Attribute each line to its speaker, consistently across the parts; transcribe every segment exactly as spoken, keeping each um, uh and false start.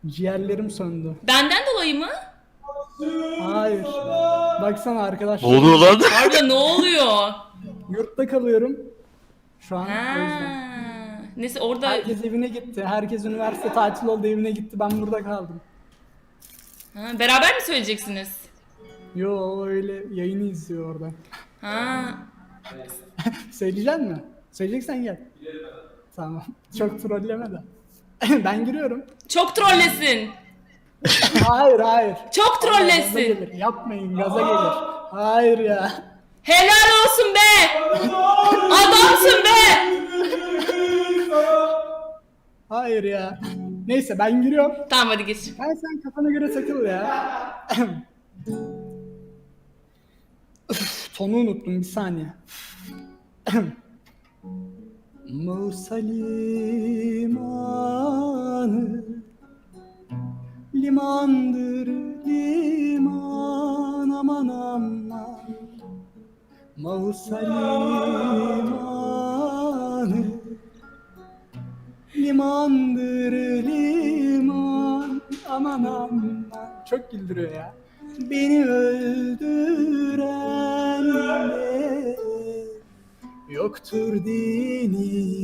Speaker 1: Ciğerlerim söndü.
Speaker 2: Benden dolayı mı?
Speaker 1: Hayır. Baksana
Speaker 3: Ne
Speaker 1: arkadaşlar.
Speaker 3: oluyor lan?
Speaker 2: Harbiden ne oluyor?
Speaker 1: Yurtta kalıyorum. Şu an
Speaker 2: Ha.
Speaker 1: o yüzden.
Speaker 2: Neyse orada
Speaker 1: Herkes evine gitti. Herkes üniversite tatil oldu evine gitti. Ben burada kaldım.
Speaker 2: ha, beraber mi söyleyeceksiniz?
Speaker 1: Yo öyle yayını izliyor orada.
Speaker 2: Ha.
Speaker 1: Söyleyecek mi? Söyleyeceksen gel. Tamam. Çok trolleme de. Ben giriyorum.
Speaker 2: Çok trollesin.
Speaker 1: Hayır hayır.
Speaker 2: Çok
Speaker 1: Gaza
Speaker 2: trollesin.
Speaker 1: gelir. Yapmayın gaza gelir. Hayır ya.
Speaker 2: Helal olsun be. Adamsın be.
Speaker 1: Hayır ya. Neyse ben giriyorum.
Speaker 2: Tamam hadi geç.
Speaker 1: Ben sen kafana göre takıl ya. Üf, tonu unuttum bir saniye. Musa limanı limandır liman aman aman Musa limanı limandır liman aman aman. Çok güldürüyor ya. Beni öldüren de yoktur din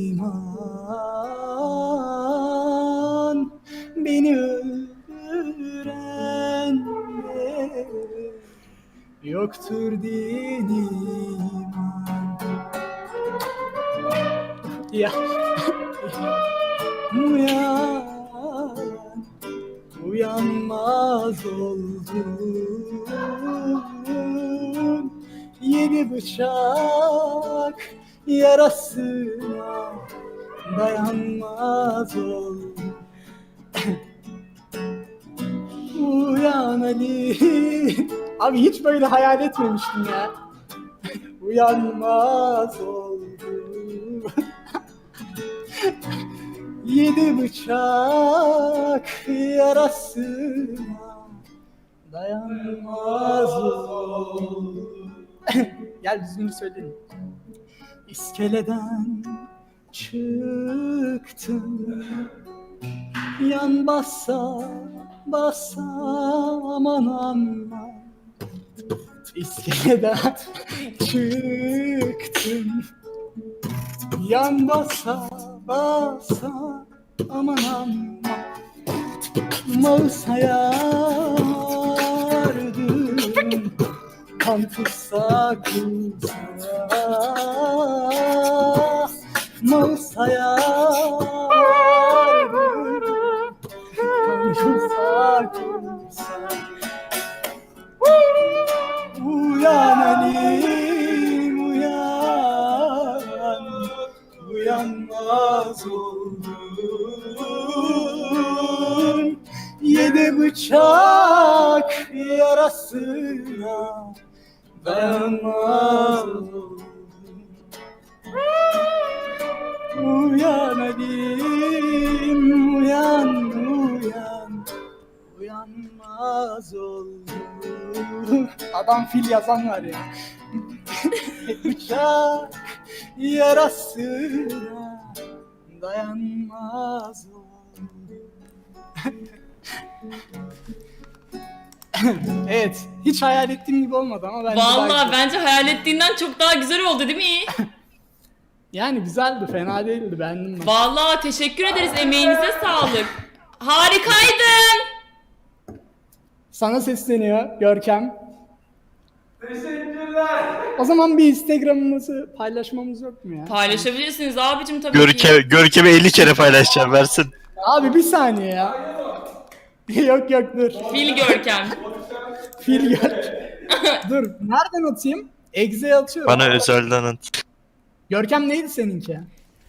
Speaker 1: iman. Beni öldüren de yoktur din iman. Ya. Uyan, uyanmaz oldum. Yedi bıçak yarasına dayanmaz oldum. Uyan Ali. Abi hiç böyle hayal etmemiştim ya. Uyanmaz oldum. Yedi bıçak yarasına dayanmaz oldum. Gel düzgün söyleyelim. İskeleden çıktım, yan bassa bassa aman aman. İskeleden çıktım, yan bassa bassa aman aman. Mağusaya vardım, kan tutsa kutsa. Mağusaya vardım, kan tutsa kutsa. Uyan Ali'm uyan, uyanmaz oldum. Yedi bıçak yarasına dayanmaz oldum. Uyan Ali'm uyan uyan, uyanmaz oldum. Adam fil yazan var ya. Bıçak yarasına dayanmaz oldum. Evet, hiç hayal ettiğim gibi olmadı ama bence daha
Speaker 2: Vallahi
Speaker 1: güzel.
Speaker 2: bence hayal ettiğinden çok daha güzel oldu değil mi?
Speaker 1: Yani güzeldi, fena değildi, beğendim ben.
Speaker 2: Vallahi teşekkür ederiz, emeğinize sağlık. Harikaydın.
Speaker 1: Sana sesleniyor Görkem. Teşekkürler. O zaman bir Instagram'ımızı paylaşmamız yok mu ya?
Speaker 2: Paylaşabilirsiniz abicim tabii ki.
Speaker 3: Görkem, Görkem'i elli kere paylaşacağım versin.
Speaker 1: Abi bir saniye ya. Yok yok dur.
Speaker 2: Fil Görkem.
Speaker 1: Fil gör. Dur. Nereden atayım? Exe'ye atıyorum.
Speaker 3: Bana özelden at.
Speaker 1: Görkem neydi seninki?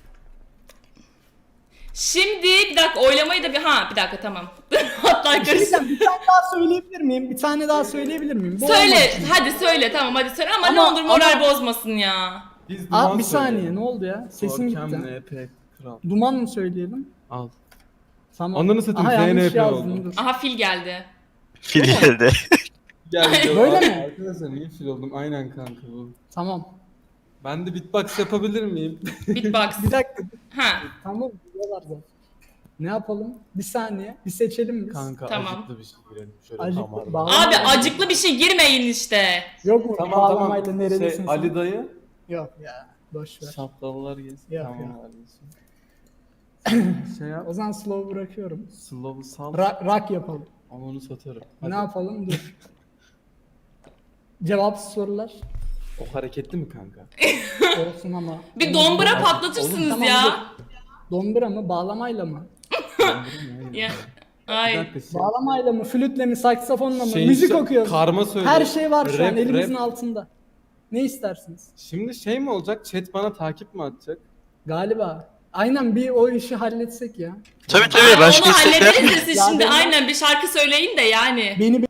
Speaker 2: Şimdi bir dakika oylamayı da bir ha bir dakika tamam. Hatta
Speaker 1: Bir, şey
Speaker 2: karıştı.
Speaker 1: diyeceğim, bir tane daha söyleyebilir miyim? Bir tane daha söyleyebilir miyim? Bu
Speaker 2: Söyle
Speaker 1: olmadı.
Speaker 2: hadi söyle tamam hadi söyle ama, ne
Speaker 1: Ama-
Speaker 2: olur moral
Speaker 1: ama-
Speaker 2: bozmasın ya.
Speaker 4: Biz
Speaker 1: Aa,
Speaker 4: duman
Speaker 1: bir saniye
Speaker 4: söyleyelim.
Speaker 1: ne oldu ya? Sesim
Speaker 4: Görkem
Speaker 1: gitti.
Speaker 4: N P kral.
Speaker 1: Duman mı söyleyelim?
Speaker 4: Al.
Speaker 1: Tamam.
Speaker 4: Ananı satayım,
Speaker 1: Aha, yanlış
Speaker 4: Z N P
Speaker 1: yazdım,
Speaker 4: oldu.
Speaker 1: dur.
Speaker 2: Aha fil geldi.
Speaker 3: Fil geldi.
Speaker 4: Gel gel.
Speaker 1: Böyle
Speaker 4: Abi,
Speaker 1: mi?
Speaker 4: Arkadaşlar iyi fil oldum. Aynen kanka bu.
Speaker 1: Tamam.
Speaker 4: Ben de beatbox yapabilir miyim?
Speaker 2: Beatbox.
Speaker 1: Bir dakika.
Speaker 2: Ha.
Speaker 1: Tamam. Biliyorlar zaten. Ne yapalım? Bir saniye. Bir seçelim biz.
Speaker 4: Kanka
Speaker 2: Tamam.
Speaker 4: acıklı bir şey girelim. Şöyle
Speaker 1: Acıklı,
Speaker 4: damarına.
Speaker 1: bağlama-
Speaker 2: Abi acıklı bir şey girmeyin işte.
Speaker 1: Yok mu?
Speaker 4: Tamam
Speaker 1: Bağlamayla
Speaker 4: tamam.
Speaker 1: nerelisin
Speaker 4: Şey,
Speaker 1: sen?
Speaker 4: Ali dayı.
Speaker 1: Yok ya. Boş ver.
Speaker 4: Şapkalılar gelsin.
Speaker 1: Yok,
Speaker 4: Tamam
Speaker 1: yok.
Speaker 4: kardeşim. Şey yap.
Speaker 1: O zaman slow bırakıyorum.
Speaker 4: Slow'u sal.
Speaker 1: Rock, rock yapalım.
Speaker 4: Ama onu satarım.
Speaker 1: Ne
Speaker 4: Hadi.
Speaker 1: yapalım? Dur. Cevapsız sorular.
Speaker 4: O hareketli mi kanka?
Speaker 1: Olsun ama.
Speaker 2: Bir dombura patlatırsınız
Speaker 1: Tamam,
Speaker 2: ya.
Speaker 1: dur. Dombura mı? Bağlamayla mı?
Speaker 2: Ya.
Speaker 4: Bir
Speaker 2: Ay.
Speaker 4: dakika şey.
Speaker 1: Bağlamayla mı? Flütle mi? Saksafonla mı?
Speaker 4: Şey-
Speaker 1: Müzik okuyoruz.
Speaker 4: Karma söyle.
Speaker 1: Her şey var şu an
Speaker 4: Rap,
Speaker 1: elimizin
Speaker 4: rap.
Speaker 1: altında. Ne istersiniz?
Speaker 4: Şimdi şey mi olacak? Chat bana takip mi atacak?
Speaker 1: Galiba. Aynen bir o işi halletsek ya.
Speaker 3: Tabii
Speaker 2: Ay,
Speaker 3: tabii başka
Speaker 2: onu
Speaker 3: istekler.
Speaker 2: hallederiz de siz
Speaker 1: Ya
Speaker 2: şimdi
Speaker 1: benim-
Speaker 2: aynen bir şarkı söyleyin de yani.
Speaker 1: Beni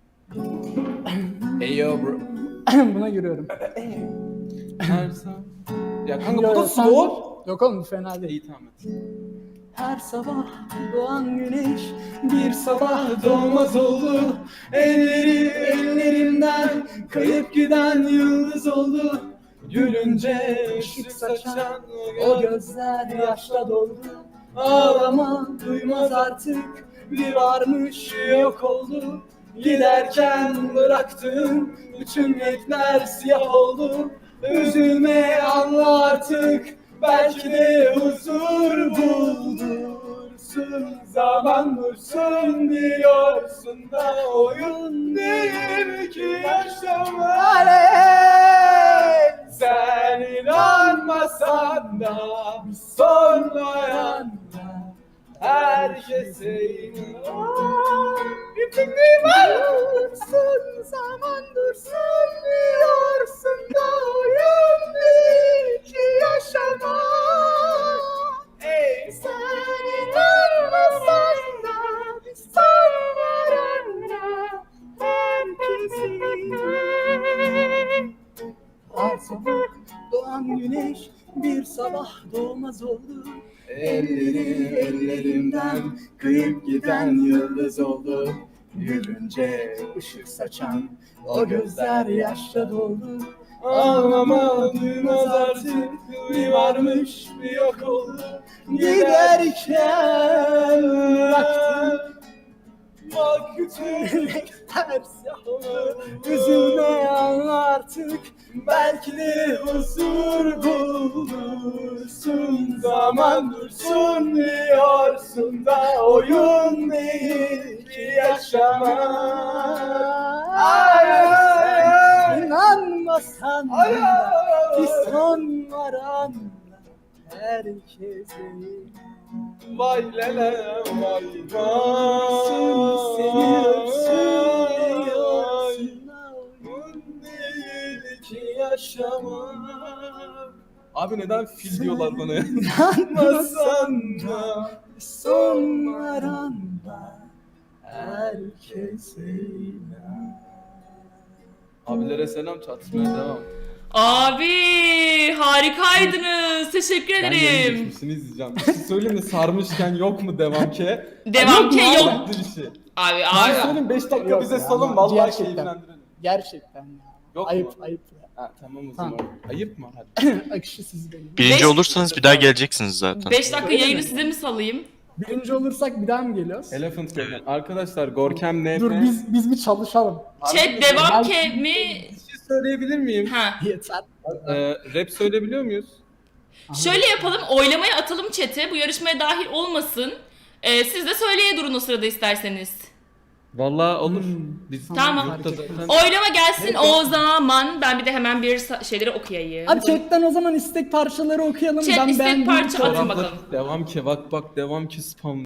Speaker 4: Eyo bro.
Speaker 1: buna giriyorum.
Speaker 4: Her zaman. Ya kanka
Speaker 1: Yo,
Speaker 4: bu
Speaker 1: yo,
Speaker 4: da
Speaker 1: sen
Speaker 4: slow.
Speaker 1: dur. Yok oğlum fena değil.
Speaker 4: İyi tamam et.
Speaker 1: Her sabah doğan güneş bir sabah doğmaz oldu. Elleri ellerimden kayıp giden yıldız oldu. Gülünce ışık saçan o gözler yaşla doldu. Ağlama duymaz artık bir varmış yok oldu. Giderken bıraktığım bütün renkler siyah oldu. Üzülme anla artık belki de huzur buldursun. Zaman dursun diyorsun da oyun değil ki yaşamak. Sen inanmasan da bir sonrayan da herkese inan. Bir fikrim var. Dursun, zaman dursun diyorsun da oyun değil ki yaşamak. Ey sen inanmasan da bir sonrayan da herkese inan. Her sabah doğan güneş bir sabah doğmaz oldu. Elleri ellerimden kıyıp giden yıldız oldu. Gülünce ışık saçan o gözler yaşla doldu. Ağlama duymaz artık bir varmış bir yok oldu. Giderken bıraktım bak bütün renkler siyah oldu. Üzülme anla artık belki de huzur bulursun. Zaman dursun diyorsun da oyun değil ki yaşamak. Ay, ay, ay. İnanmasan da bir son var anla herkese. Vay lele vay vay. Seni öpsün diyorsun da oyun değil ki yaşamak.
Speaker 4: Abi neden fil diyorlar bana ya?
Speaker 1: İnanmasan da son var anda herkese inan.
Speaker 4: Abilere selam, çatışmaya devam.
Speaker 2: Abi harikaydınız. Teşekkür
Speaker 4: Ben yeni
Speaker 2: ederim.
Speaker 4: geçmişini izleyeceğim. Bir şey söyleyeyim mi? Sarmışken yok mu devam ki?
Speaker 2: Devam ki
Speaker 1: mu?
Speaker 2: yok.
Speaker 4: Farklı bir şey.
Speaker 2: Abi
Speaker 4: Abi
Speaker 2: abi.
Speaker 4: söyleyeyim beş dakika
Speaker 1: Yok
Speaker 4: bize
Speaker 1: ya,
Speaker 4: salın
Speaker 1: ama
Speaker 4: vallahi
Speaker 1: gerçekten.
Speaker 4: keyiflendirelim.
Speaker 1: Gerçekten ya.
Speaker 4: Yok
Speaker 1: ayıp
Speaker 4: mu?
Speaker 1: ayıp ya.
Speaker 4: Ha tamam o
Speaker 1: Tamam.
Speaker 4: zaman. Ayıp mı? Hadi.
Speaker 1: Akışı siz benim.
Speaker 3: Birinci
Speaker 2: Beş-
Speaker 3: olursanız bir daha geleceksiniz zaten.
Speaker 2: beş dakika
Speaker 1: Öyle
Speaker 2: yayını
Speaker 1: mi?
Speaker 2: size mi salayım?
Speaker 1: Birinci olursak bir daha mı geliyoruz?
Speaker 4: Elephant Cave. Arkadaşlar Gorkem N F.
Speaker 1: Dur biz biz bir çalışalım.
Speaker 2: Chat devam
Speaker 1: Ben-
Speaker 2: ke mi?
Speaker 4: Bir şey söyleyebilir miyim?
Speaker 2: Ha.
Speaker 1: Yeter.
Speaker 4: Ee, rap söyleyebiliyor muyuz?
Speaker 2: Şöyle yapalım, oylamaya atalım chat'e. Bu yarışmaya dahil olmasın. Ee, siz de söyleye durun o sırada isterseniz.
Speaker 4: Vallahi olur.
Speaker 1: Hmm.
Speaker 4: Biz
Speaker 2: Tamam.
Speaker 4: grupta zaten-
Speaker 2: Oylama gelsin o zaman. Ben bir de hemen bir sa- şeyleri okuyayım.
Speaker 1: Hadi chatten o zaman istek parçaları okuyalım.
Speaker 2: Chat
Speaker 1: ben
Speaker 2: istek
Speaker 1: beğendiğim
Speaker 2: parça
Speaker 1: çok-
Speaker 2: atın bakalım.
Speaker 4: Devam ki bak bak devam ki spam.